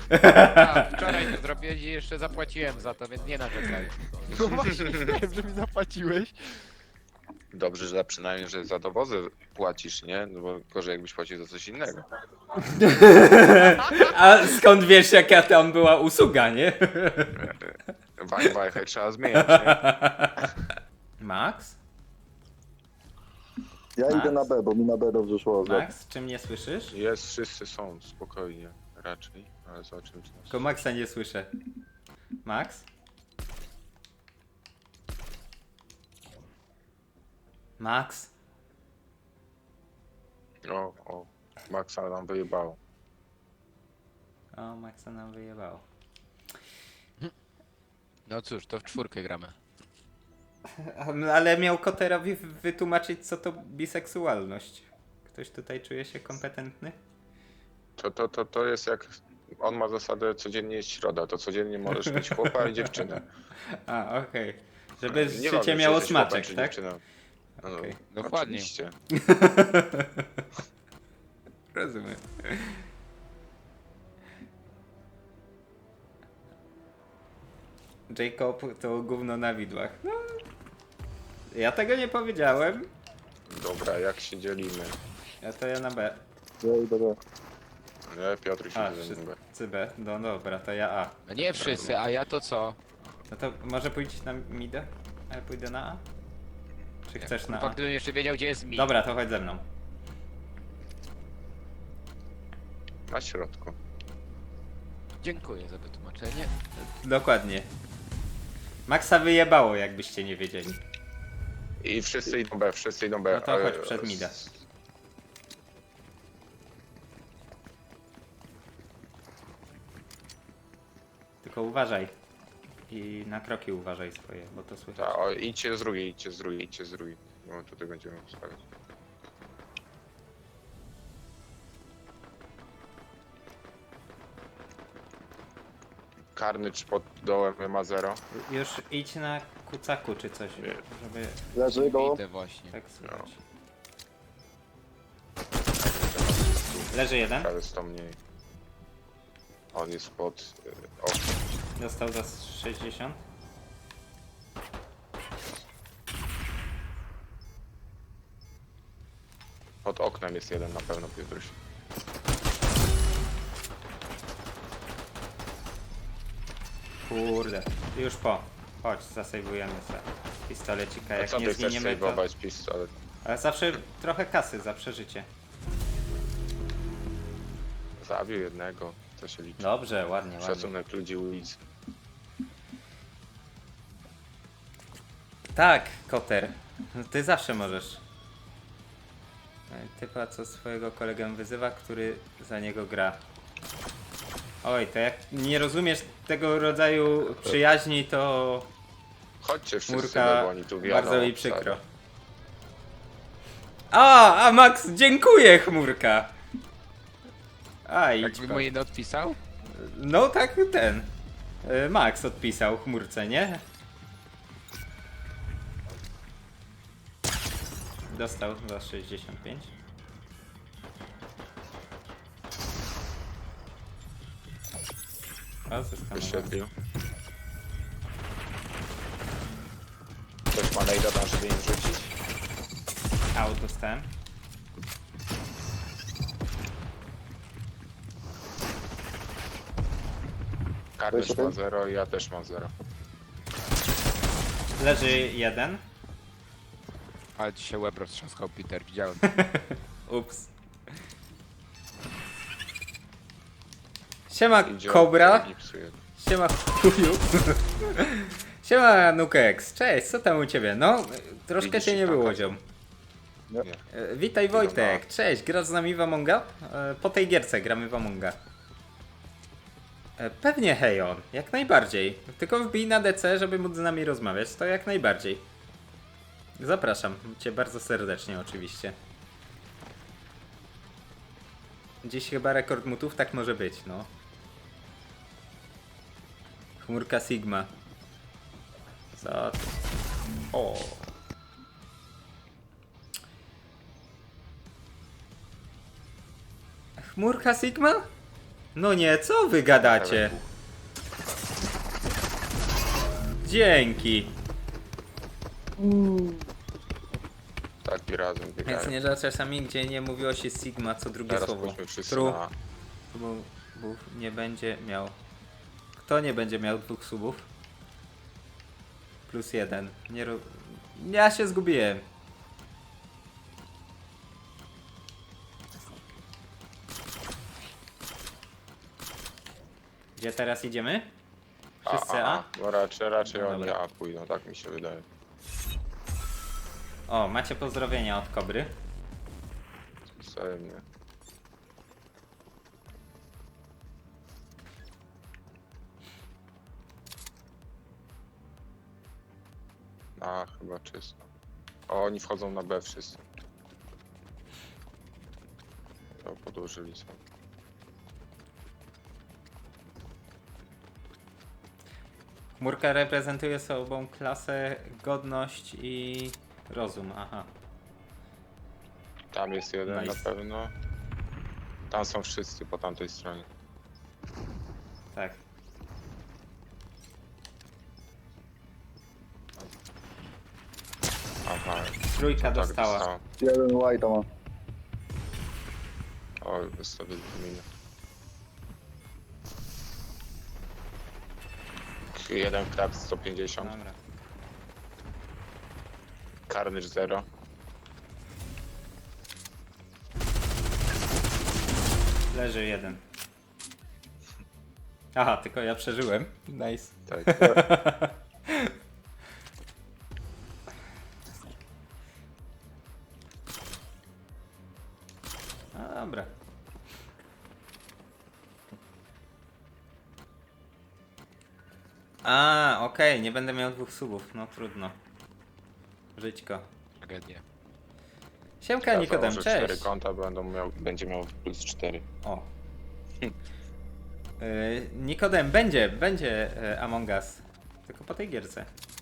A, wczoraj to zrobiłeś i jeszcze zapłaciłem za to, więc nie narzekaj. No właśnie, wiem, że mi zapłaciłeś. Dobrze, że przynajmniej, że za dowozy płacisz, nie? No bo gorzej jakbyś płacił za coś innego. A skąd wiesz, jaka tam była usługa, nie? Wajchę trzeba zmieniać, nie? Max? Ja Max? idę na B, bo mi na B dobrze szło. Max, czy mnie słyszysz? Jest, wszyscy są, spokojnie, raczej. Ale zobaczymy, czy nas... Tylko Maxa nie słyszę. Max? Max? O, Maxa nam wyjebało. O, Maxa nam wyjebało. No cóż, to w czwórkę gramy. Ale miał Koterowi wytłumaczyć, co to biseksualność. Ktoś tutaj czuje się kompetentny? To jest jak... On ma zasadę codziennie jest środa, to codziennie możesz mieć chłopa i dziewczynę. A, okej. Żeby Nie życie ważne, czy miało jesteś chłopem, smaczek, czy tak? dziewczyną. No, Okej. Dokładnie. Oczywiście. Rozumiem. Jacob to gówno na widłach. No, ja tego nie powiedziałem. Dobra, jak się dzielimy? Ja na B. Ja idę B. Nie, Piotr się A, nie zajmuje. wszyscy B. No dobra, to ja A. No nie wszyscy, a ja to co? No to może pójdziesz na midę? A ja pójdę na A? Czy chcesz na A? Fakt, gdybym jeszcze wiedział, gdzie jest mi. Dobra, to chodź ze mną. Na środku. Dziękuję za wytłumaczenie. Dokładnie. Maxa wyjebało, jakbyście nie wiedzieli. I wszyscy idą B, wszyscy idą B. No to chodź przed mida. Tylko uważaj. I na kroki uważaj swoje, bo to słychać. Ta, o, idźcie z drugiej, idźcie z drugiej, idźcie z drugiej. No tutaj będziemy ustawiać. Karny czy pod dołem ma 0. Już idź na kucaku czy coś, Nie. żeby Leży go. Idę właśnie. tak słychać. Leży jeden. Ale 100 mniej. On jest pod... O, Dostał za 60. pod oknem jest jeden na pewno, Piotruś. Kurde. Już po. Chodź, zasejwujemy sobie pistolecika. A Jak co nie ty chcesz zginiemy to... sejwować pistolet? Ale zawsze trochę kasy za przeżycie. Zabił jednego, co się liczy. Dobrze, ładnie, ładnie. Szacunek ludzi ulicy. Tak, Koter. Ty zawsze możesz. Typa, co swojego kolegę wyzywa, który za niego gra. Oj, to jak nie rozumiesz tego rodzaju przyjaźni, to Chodźcie wszyscy, Chmurka, bo oni tu wiadomo. bardzo mi przykro. A Max, dziękuję, Chmurka. A, idź Jakby pan. mój nie odpisał? No tak, ten. Max odpisał Chmurce, nie? Dostał za 65. O, zeskanowałem. Wyświetlił. Ktoś ma najda tam, żeby im rzucić? Out dostałem. Karnysz Weź jeden. ma 0 i ja też mam 0. Leży jeden. Ale ci się łeb roztrzaskał, Peter, widziałem. Ups. Siema Idzie, Cobra. nie psuje. Siema chuju. Siema Nukex. Cześć, co tam u ciebie? No, troszkę Widzisz cię nie ich było, tam, ziom. Nie. Witaj Wojtek, cześć, grasz z nami w Amonga? Po tej gierce gramy w Amonga. Pewnie Hejon, jak najbardziej. Tylko wbij na DC, żeby móc z nami rozmawiać, to jak najbardziej. Zapraszam cię bardzo serdecznie oczywiście. Dziś chyba rekord mutów, tak może być, no. Chmurka Sigma. Co ty? O. Chmurka Sigma? No nie, co wy gadacie? Dzięki. Taki razem Więc biegają. nie, że czasami gdzie nie mówiło się Sigma co drugie Teraz słowo. pójdźmy wszyscy True. na... Subów nie będzie miał. Kto nie będzie miał 2 subów? +1. Nie ja się zgubiłem. Gdzie teraz idziemy? Wszyscy A? No raczej No oni dobra. A pójdą, tak mi się wydaje. O, macie pozdrowienia od Kobry. Wzajemnie. A, chyba czysto. O, oni wchodzą na B wszyscy. To podłożyli sobie. Chmurka reprezentuje sobą klasę, godność i rozum. Aha. Tam jest jeden Nice. na pewno. Tam są wszyscy po tamtej stronie. Tak. Aha, Trójka tak dostała. dostałem. Jeden white ma. O, sobie wymienię. Jeden krab 150. Dobra. Carnage 0. Leży jeden. Aha, tylko ja przeżyłem. Nice. Tak. No dobra. A, okej, nie będę miał 2 subów, no trudno. Żyćko. Tragedia. Siemka Nikodem, założę 4 cześć. konta, będzie miał plus 4. O. Nikodem, będzie Among Us. Tylko po tej gierce.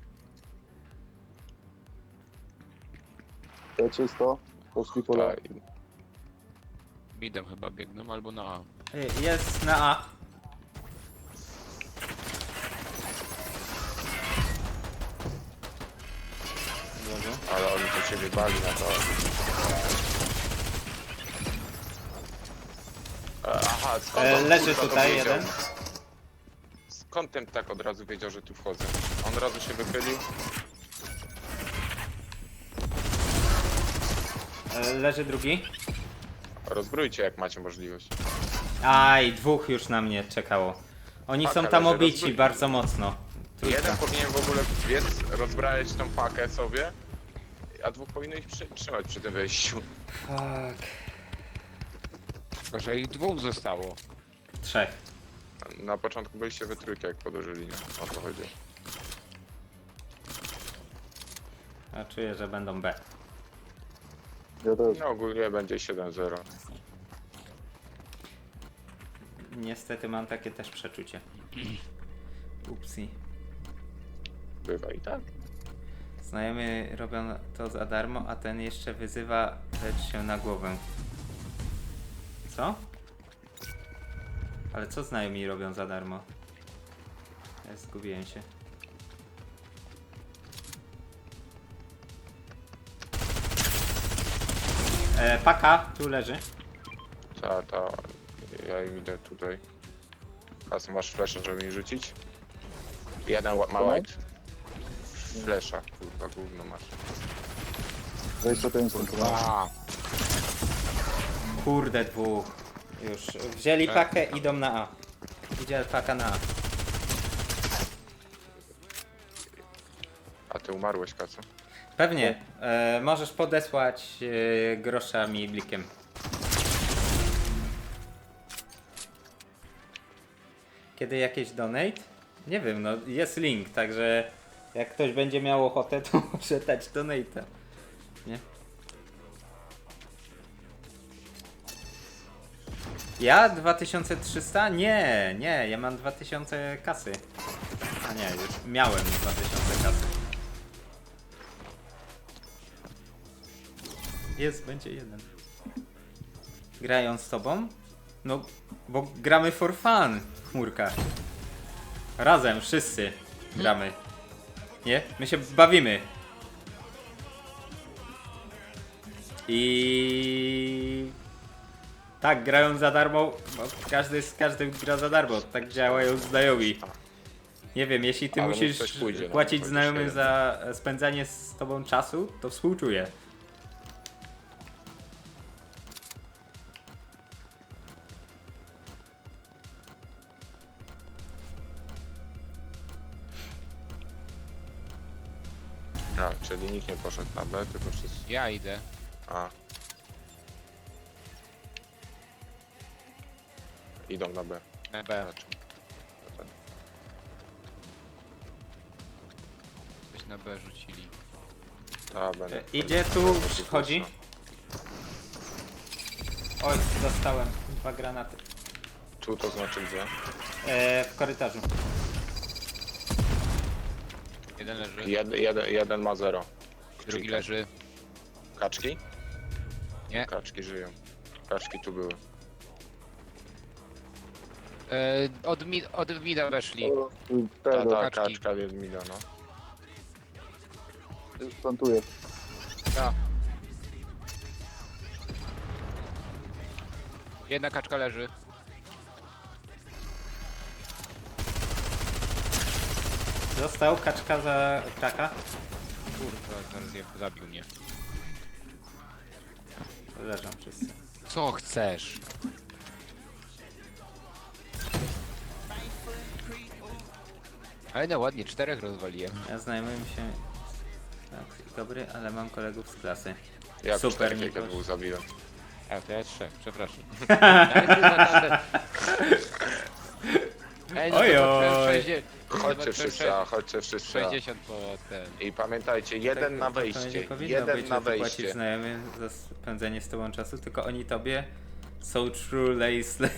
To czysto. Poszli po lewo. Tak. Midem chyba biegną albo na A. Jest na A. Dobrze. Ale oni to się wybali na to. Aha, skąd on, Leży kurwa, to tutaj wiedział? jeden. Skąd ten tak od razu wiedział, że tu wchodzę? On od razu się wychylił. Leży drugi. Rozbrójcie jak macie możliwość. Aj, 2 już na mnie czekało. Oni Paka są tam leży, obici rozbrójcie. bardzo mocno. Trójka. Jeden powinien w ogóle biec, rozbrajać tą pakę sobie, a 2 powinno ich trzymać przy tym wejściu. Fuck. Tylko, że ich 2 zostało. 3. Na początku byliście we trójkę jak podłożyli, nie? O to chodzi. A czuję, że będą B. Ja też. No ogólnie będzie 7-0. Niestety mam takie też przeczucie. Upsi. Bywa i tak. Znajomi robią to za darmo, a ten jeszcze wyzywa lecz się na głowę. Co? Ale co znajomi robią za darmo? Ja zgubiłem się. Paka, tu leży. Ta, ja im idę tutaj. Kasy, masz flasha, żeby mi rzucić? Jeden ma white. Flasha, kurwa, gówno masz. 25 A, Kurde, 2. Już wzięli pakę, idą na A. Idzie paka na A. A ty umarłeś, Kacu? Pewnie. Możesz podesłać grosza mi blikiem. Kiedy jakieś donate? Nie wiem, no jest link, także jak ktoś będzie miał ochotę, to może dać donate'a. Nie? Ja 2300? Nie, ja mam 2000 kasy. A nie, już miałem 2000 kasy. Jest, będzie jeden. Grają z tobą? No, bo gramy for fun, chmurka. Razem, wszyscy gramy. Nie? My się bawimy. I tak, grają za darmo, bo każdy z każdym gra za darmo. Tak działają znajomi. Nie wiem, jeśli ty Ale musisz coś pójdzie, no, płacić chociaż znajomym jeden. za spędzanie z tobą czasu, to współczuję. A, czyli nikt nie poszedł na B, tylko wszyscy. Ja idę. A. Idą na B. Na B. Znaczy, Coś na B rzucili. a, będę. Idzie tu, wchodzi. Oj, dostałem 2 granaty. Tu to znaczy gdzie? W korytarzu. Jeden leży, Jeden ma 0. drugi leży. Kaczki? Nie. Kaczki żyją. Kaczki tu były. Od mida weszli. Tego, Ta kaczki. kaczka jest milion, no. już plantuję. Ta. Jedna kaczka leży. Został kaczka za kraka. Kurwa, zaraz zabił mnie. Leżą wszyscy. Co chcesz? Ale no ładnie, 4 rozwaliłem. Ja znajomym się tak dobry, ale mam kolegów z klasy. Ja Super, Super, Nikoś. dwóch zabiłem. A, to ja 3, przepraszam. Ale kurwa, tamte- Ej, no to Ojoj. zobaczyłem 60 Chodźcie wszyscy, a chodźcie wszyscy. a. 60 po ten. I pamiętajcie, jeden na Tak, to nie wejście. powinno Jeden być, na że ty płacisz wejście. znajomym za spędzenie z tobą czasu, tylko oni tobie są true lace.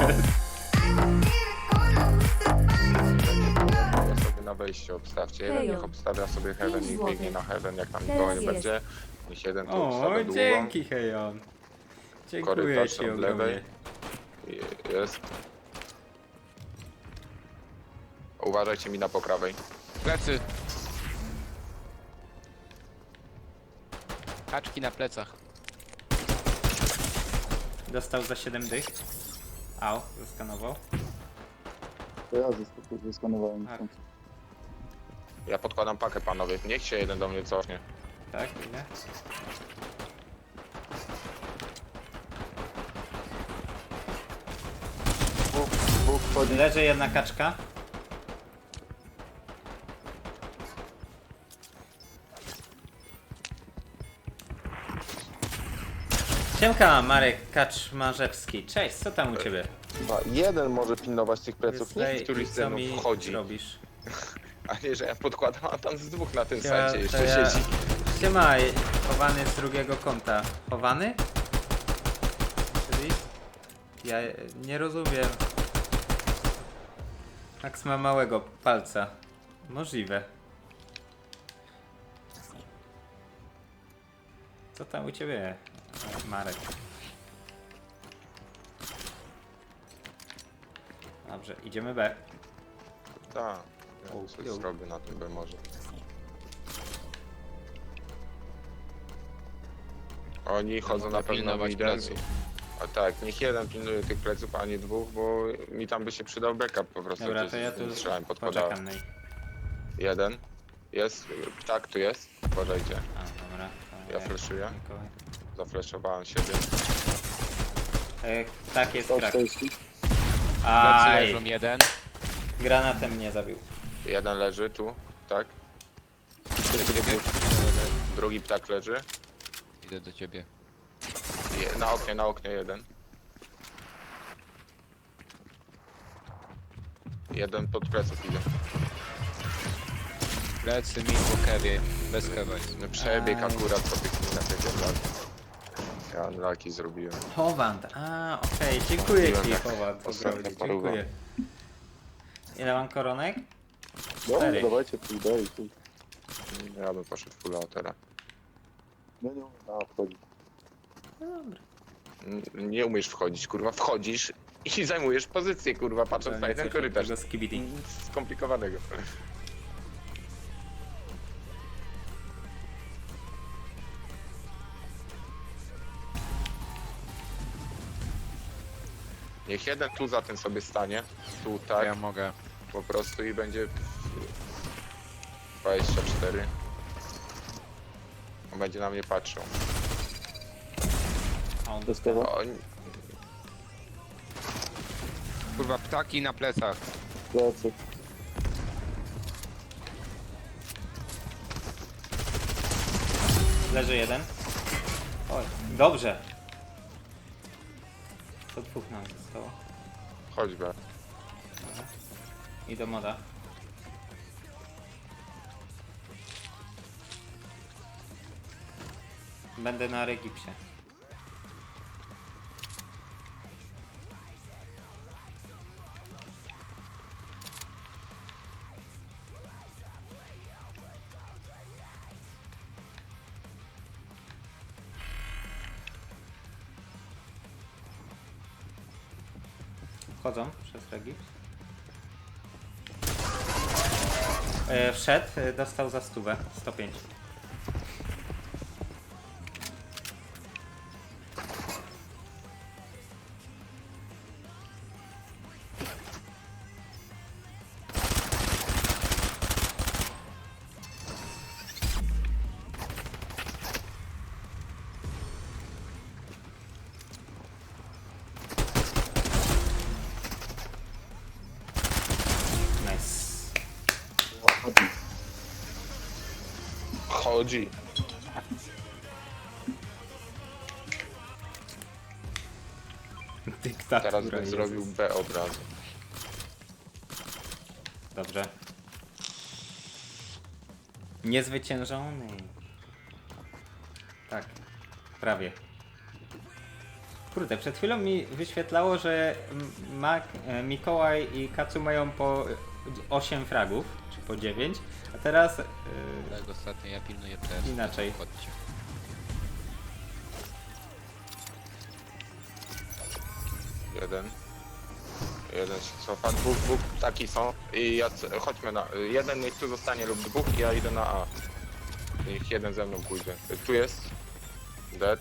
Sobie na wejście obstawcie. Jeden niech obstawia sobie heaven i biegnie na heaven, jak tam nikogo nie będzie. Niech jeden tu O, obstawia długą. dzięki Hejon. Dziękuję Korytarz ci od lewej. ogromnie. Jest. Uważajcie mi na po prawej. Plecy. Kaczki na plecach. Dostał za 7 dych. Au, zeskanował. To ja zeskanowałem. Tak. Ja podkładam pakę, panowie. Niech się jeden do mnie cofnie. Tak, ile? Dwóch wchodzi. Leży jedna kaczka. Siemka, Marek Kaczmarzewski. Cześć, co tam u ciebie? Chyba jeden może pilnować tych pleców, Powiedz, niech któryś co ze mną mi wchodzi. robisz? A nie, że ja podkładam, a tam z dwóch na tym Ja- sajcie to jeszcze ja- siedzi. Siema, chowany z drugiego kąta. Chowany? Czyli? Ja nie rozumiem. Max ma małego palca. Możliwe. Co tam u ciebie, Marek? Dobrze, idziemy B. Tak, ja O, coś jo. zrobię na tym, bo może. Oni chodzą mogę na pewno pilnować midem. pleców. A tak, niech jeden pilnuje tych pleców, a nie dwóch, bo mi tam by się przydał backup po prostu. Dobra, jak to ja tu strzelałem, podkładałem. poczekam na nich. Jeden. Jest, tak, tu jest. Uważajcie. A, dobra. to Ja flashuję. Mikołaj. Zafleszowałem siebie. Tak jest krak. 140. Plecy Aj, leżą jeden. granatem mnie zabił. Jeden leży tu, tak. Drugi ptak leży. Idę do ciebie. Na oknie jeden. Jeden pod pleców idzie. Plecy mi po kewie. Bez kewa jest. No przebieg Aj. akurat po tych minach jak ja laki zrobiłem. Howand, okej, dziękuję ci Zrobiłem ostatnio Howand, ogromnie, paruwa. dziękuję. Ile mam koronek? No, 4. dawajcie, pójdę i tu. Ja bym poszedł full teraz. No nie umiem, wchodzi. No dobra. Nie umiesz wchodzić, kurwa. Wchodzisz i zajmujesz pozycję, kurwa, patrząc na ten korytarz. Tego skibidi. Nic skomplikowanego. Niech jeden tu za tym sobie stanie. Tu tak, Ja mogę. po prostu i będzie 24. On będzie na mnie patrzył. A on Testowa. O, Kurwa, ptaki na plecach. Plecy. leży jeden. Oj, dobrze. To dwóch nam zostało. choćby. I do moda. Będę na Regipsie. Wchodzą przez Regips. Wszedł, dostał za 105. Nice. Ładnie. Chodzi. Dyktatura Teraz bym Jezus. zrobił B od razu. Dobrze. Niezwyciężony. Tak, prawie. Kurde, przed chwilą mi wyświetlało, że Mikołaj i Kacu mają po 8 fragów, czy po 9, a teraz Tak, ostatnio ja pilnuję też. inaczej. Chodźcie. Jeden. Jeden się cofa, dwóch taki są. I ja, chodźmy na... Jeden niech tu zostanie lub dwóch i ja idę na A. Niech jeden ze mną pójdzie. Tu jest. Dead.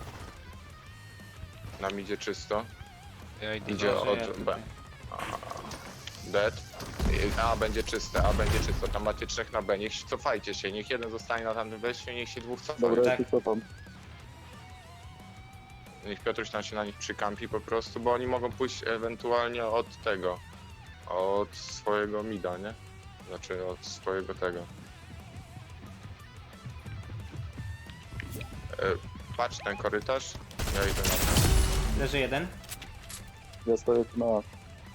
Nam idzie czysto. Ja idę Idzie na- od ja B. Dead. A będzie czyste, A będzie czysto. Tam macie 3 na B. Niech cofajcie się. Niech jeden zostanie na tamtym wejściu, niech się dwóch cofa. Dobra, ja Tak. się cofam. Niech Piotruś tam się na nich przykampi po prostu, bo oni mogą pójść ewentualnie od tego. Od swojego mida, nie? Znaczy od swojego tego. Patrz ten korytarz. Ja idę na ten. Leży jeden. Ja stoję tu na A.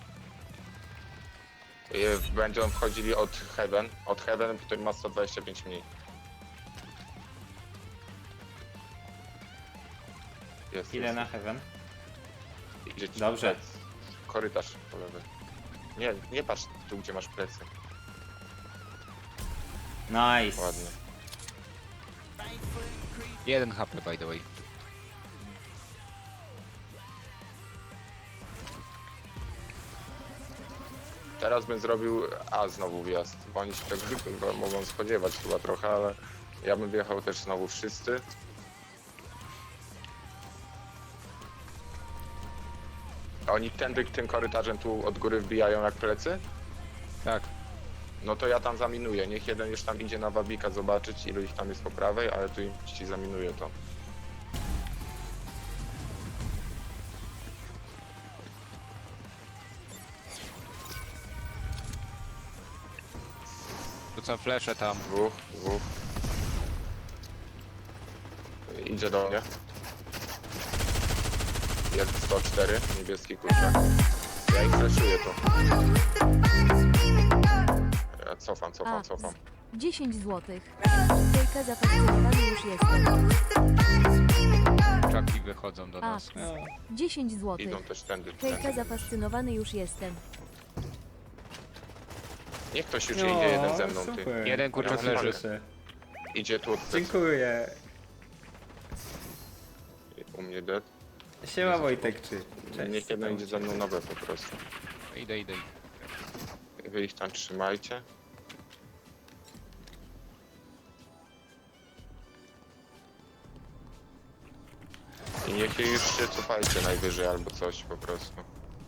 Będą wchodzili od Heaven. Od Heaven, który ma 125 mniej. Jest, Ile jest. na heaven? Idzie ci Dobrze. plec. Korytarz po lewej. Nie, nie patrz tu, gdzie masz plecy. Nice. Ładnie. 1 HP by the way. Teraz bym zrobił A znowu wjazd, bo oni się tego chyba mogą spodziewać chyba trochę, ale ja bym wjechał też znowu wszyscy. A oni tędy tym korytarzem tu od góry wbijają jak plecy? Tak. No to ja tam zaminuję. Niech jeden już tam idzie na wabika zobaczyć, ilu ich tam jest po prawej, ale tu im ci zaminuję to. Rzucam flesze tam. Dwóch. Idzie do mnie. Jest 104, niebieski kurczak. Ja ich flashuję tu. Ja cofam. 10 złotych. Hejka, zafascynowany już jestem. Czaki wychodzą do nas. No. 10 złotych. Idą też tędy. Hejka, zafascynowany już jestem. Niech ktoś już idzie jeden ze mną, ty. Super. Jeden kurczak Ja leży. Proszę. Idzie tu od plecy. Dziękuję. U mnie dead. Siema Wojtek, czy? Cześć. Niech jeden idzie ze mną nowe po prostu. Idę. Wy ich tam trzymajcie. I niech już się cofajcie najwyżej albo coś po prostu.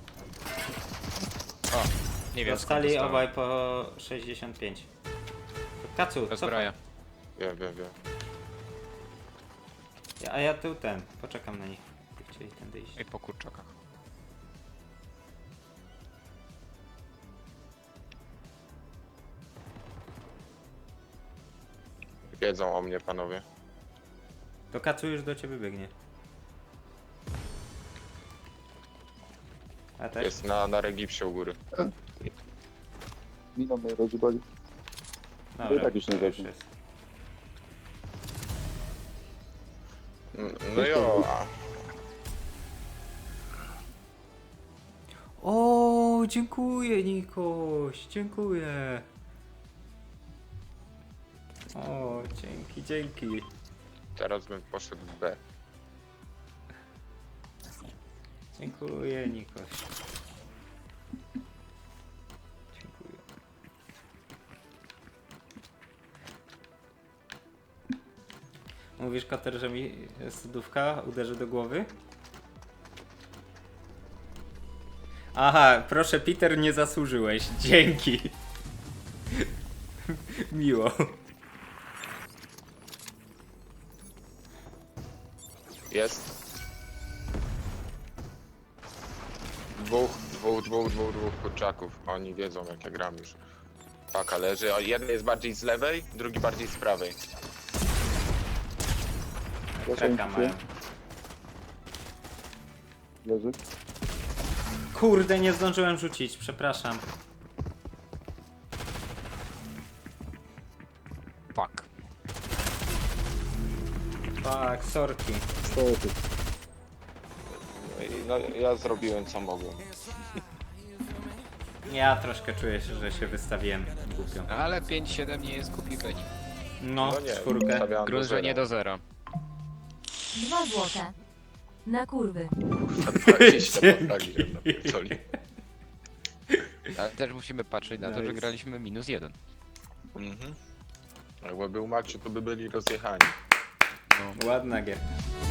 O, nie wiem skąd Dostali dostałem. obaj po 65. Kacu, co? Zbroja. Wiem. A ja tu ten, poczekam na nich. Chcieli tędy iść. I po kurczakach. Wiedzą o mnie panowie. To Kacu już do ciebie biegnie. A też? Jest na regipsie u góry. Miną mnie rozjebali. Dobra, i tak już nie to weźmie. jest. No jo, a O, dziękuję Nikoś, dziękuję. O, dzięki. teraz bym poszedł w B. Dziękuję Nikoś. Dziękuję. Mówisz Kater, że mi sodówka uderzy do głowy? Aha, proszę Peter, nie zasłużyłeś. Dzięki. Miło. Jest. Dwóch kurczaków. Oni wiedzą jak ja gram już. Paka leży, a jeden jest bardziej z lewej, drugi bardziej z prawej. Treka mają. Leży. Kurde, nie zdążyłem rzucić, przepraszam. Fuck. Tak, sorki. Stety. No ja zrobiłem co mogłem. Ja troszkę czuję się, że się wystawiłem głupio. Ale 5-7 nie jest głupi wynik. No, No nie, czwórkę. stawiałem do Grunt, że nie zera. do zera. 2 złote. Na kurwy. 20 postawiłem na pierdoli. Ale też musimy patrzeć na to, że Nice. graliśmy -1. Mhm. Jakby był Maciu, to by byli rozjechani. Ładna gier.